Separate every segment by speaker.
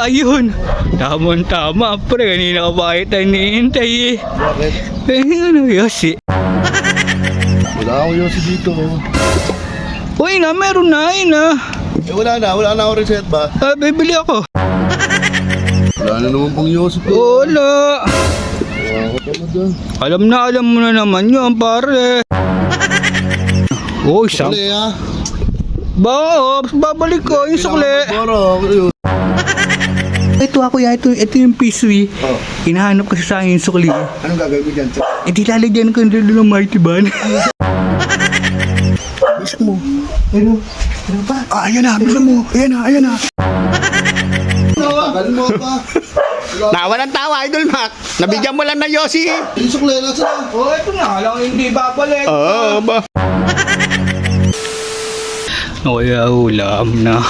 Speaker 1: Ayun. Tama, pre. Kanina ka pa kita hinihintay eh.
Speaker 2: Bakit?
Speaker 1: Ano, Yossi?
Speaker 2: Wala akong yosi dito.
Speaker 1: Uy na, meron na yun ah.
Speaker 2: Wala na ako reset ba?
Speaker 1: Bibili ako.
Speaker 2: Wala na naman pang yosi ko.
Speaker 1: Wala.
Speaker 2: Wala ka dyan.
Speaker 1: Alam mo na naman yun, pare. Uy, sam.
Speaker 2: Sukli ha?
Speaker 1: Babalik ko yung sukli.
Speaker 2: Boro.
Speaker 1: Ito ako ya, ito yung piswi.
Speaker 2: Oh.
Speaker 1: Hinahanap kasi sa akin yung sukli.
Speaker 2: Anong gagawin mo dyan?
Speaker 1: Di lalagyan ko yung Mighty Ban.
Speaker 2: Bisa mo.
Speaker 1: Ano ba?
Speaker 2: Ayan na, bisa mo. Ayan na. Tagal mo pa.
Speaker 3: Tawa ng tawa, Idol Mac. Nabigyan mo lang ng Yossi.
Speaker 2: Yung sukli na sila.
Speaker 1: Ito na lang, hindi babalik.
Speaker 3: Oo, ba?
Speaker 1: Kaya ulam na.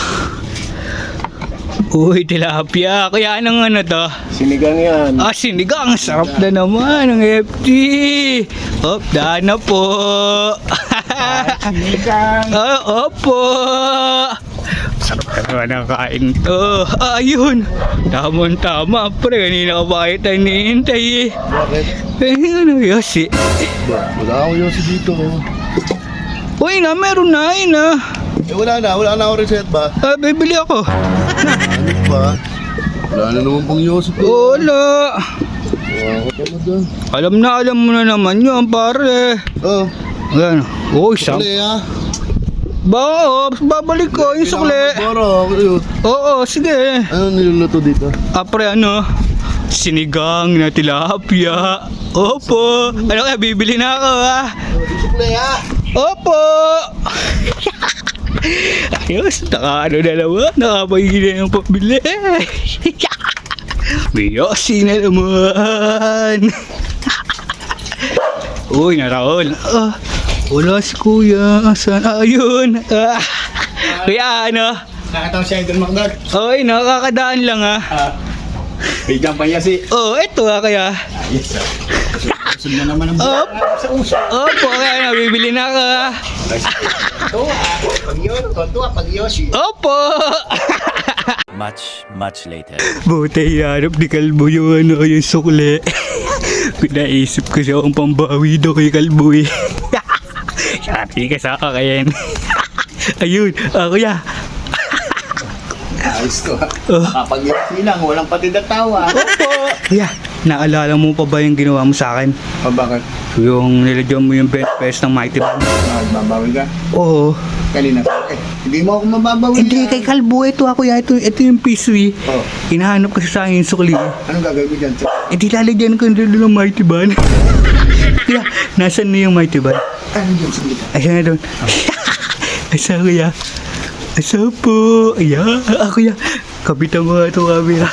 Speaker 1: Uy, tilapia. Kaya nang ano to?
Speaker 3: Sinigang yan.
Speaker 1: Sinigang. Sarap na naman ng FT. Daan na po.
Speaker 3: Sinigang.
Speaker 1: Opo. Sarap na naman ang kain to. Ayun. Tama, pre. Kanina ka pa kita hinihintay eh.
Speaker 2: Bakit?
Speaker 1: Ano, Yossi?
Speaker 2: Wala akong yosi dito.
Speaker 1: Uy na, meron na yun ah.
Speaker 2: Wala na ako reset ba?
Speaker 1: Bibili ako.
Speaker 2: Ano ba? Wala na naman pang yosi ko.
Speaker 1: Wala.
Speaker 2: Wala ka dyan.
Speaker 1: Alam mo na naman yun, pare.
Speaker 2: Oh.
Speaker 1: Ayan. Uy, sam.
Speaker 2: Sukli ha?
Speaker 1: Babalik ko yung sukli.
Speaker 2: Boro.
Speaker 1: Oo, sige.
Speaker 2: Ano niluluto dito?
Speaker 1: Pre, sinigang na tilapia. Opo. Ano kaya, bibili na ako ha.
Speaker 2: Yung sukli ha?
Speaker 1: Opo. Ayos, na naman. Nakapagigil na yung pabili. May Yossi na naman. Uy, naraon. Wala si kuya. Saan? Ayun. Kaya
Speaker 3: Nakatawa si Idol Mac doon.
Speaker 1: Oy, nakakadaan lang ha.
Speaker 3: Bigyan pa Yossi.
Speaker 1: Ito kaya.
Speaker 3: Yes, sir. Gusto na naman ang sa uso.
Speaker 1: Opo, kaya bibili na ako ha.
Speaker 3: Pag Yossi.
Speaker 1: Opo.
Speaker 4: Much later.
Speaker 1: Buti hanap ni Kalbo yung yung sukli. Pinaisip ko siya ang pambawi daw kay Kalbo eh. Shati ka sa kakayan. Ayun, kuya.
Speaker 3: Ayos to ha. Kapag Yossi lang, walang pati tawa.
Speaker 1: Opo. Kuya, naalala mo pa ba yung ginawa mo sa akin?
Speaker 3: Bakit?
Speaker 1: Yung nilagyan mo yung bench press ng Mighty Band?
Speaker 3: Magbabawi ka?
Speaker 1: Oo.
Speaker 3: Kanina ka. Hindi mo ako mababawi.
Speaker 1: Hindi, kay Kalbo. Ito ako ya, ito yung piswi.
Speaker 3: Oh.
Speaker 1: Hinahanap kasi sa akin yung sukli.
Speaker 3: Anong gagawin mo dyan?
Speaker 1: Di lalagyan ko yung Mighty Band. Kuya, nasan na yung Mighty Band?
Speaker 3: Ano yun? Sige.
Speaker 1: Ayan na doon. Asa kuya? Asa po? Ayan. Kuya. Kapitan mo nga ito camera.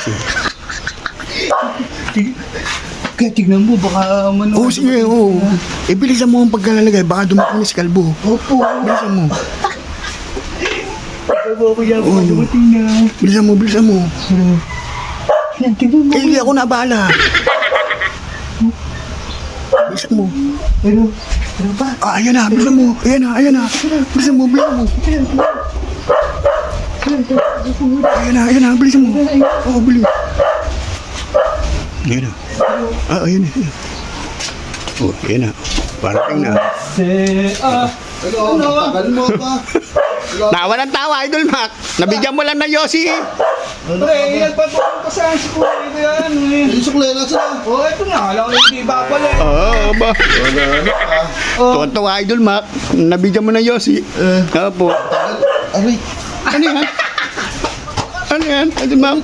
Speaker 1: Kaya tignan mo, baka
Speaker 3: Oo, sige, oo. Bilisan mo ang pagkalalagay. Baka dumating na si Kalbo.
Speaker 1: Opo.
Speaker 3: Bilisan mo.
Speaker 1: Opo, kuya. Baka dumating na.
Speaker 3: Bilisan mo.
Speaker 1: Yan, tignan mo.
Speaker 3: Hindi ako nabahala. Bilisan mo.
Speaker 1: Ano ba?
Speaker 3: Ayan na, bilisan mo. Ayan na. Bilisan mo. Ayan na, bilisan mo. Oo, bilis. Ayan na. Ayan na. Oh, ayan na. Parating na.
Speaker 2: Tagal mo pa.
Speaker 3: Tawa ng tawa, Idol Mac. Nabigyan mo lang ng Yossi.
Speaker 1: Pre, nagpatulong pa saan si kuya ko yan eh.
Speaker 2: Yung sukli na sila.
Speaker 1: Ito na lang, hindi babalik.
Speaker 3: Oo, ba? Tuwan-tuwa, Idol Mac. Nabigyan mo ng Yossi. Opo.
Speaker 2: Aray.
Speaker 3: Ano yan? Ano yan, Idol Mac?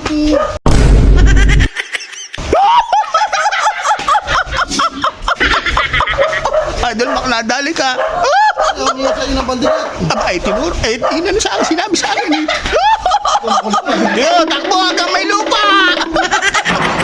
Speaker 3: Idol Mac, nadali ka.
Speaker 2: Ayaw niya sa'yo ng pandigat.
Speaker 3: Abay, tinuro. Sinabi sa akin eh. Yo, takbo hanggang may lupa.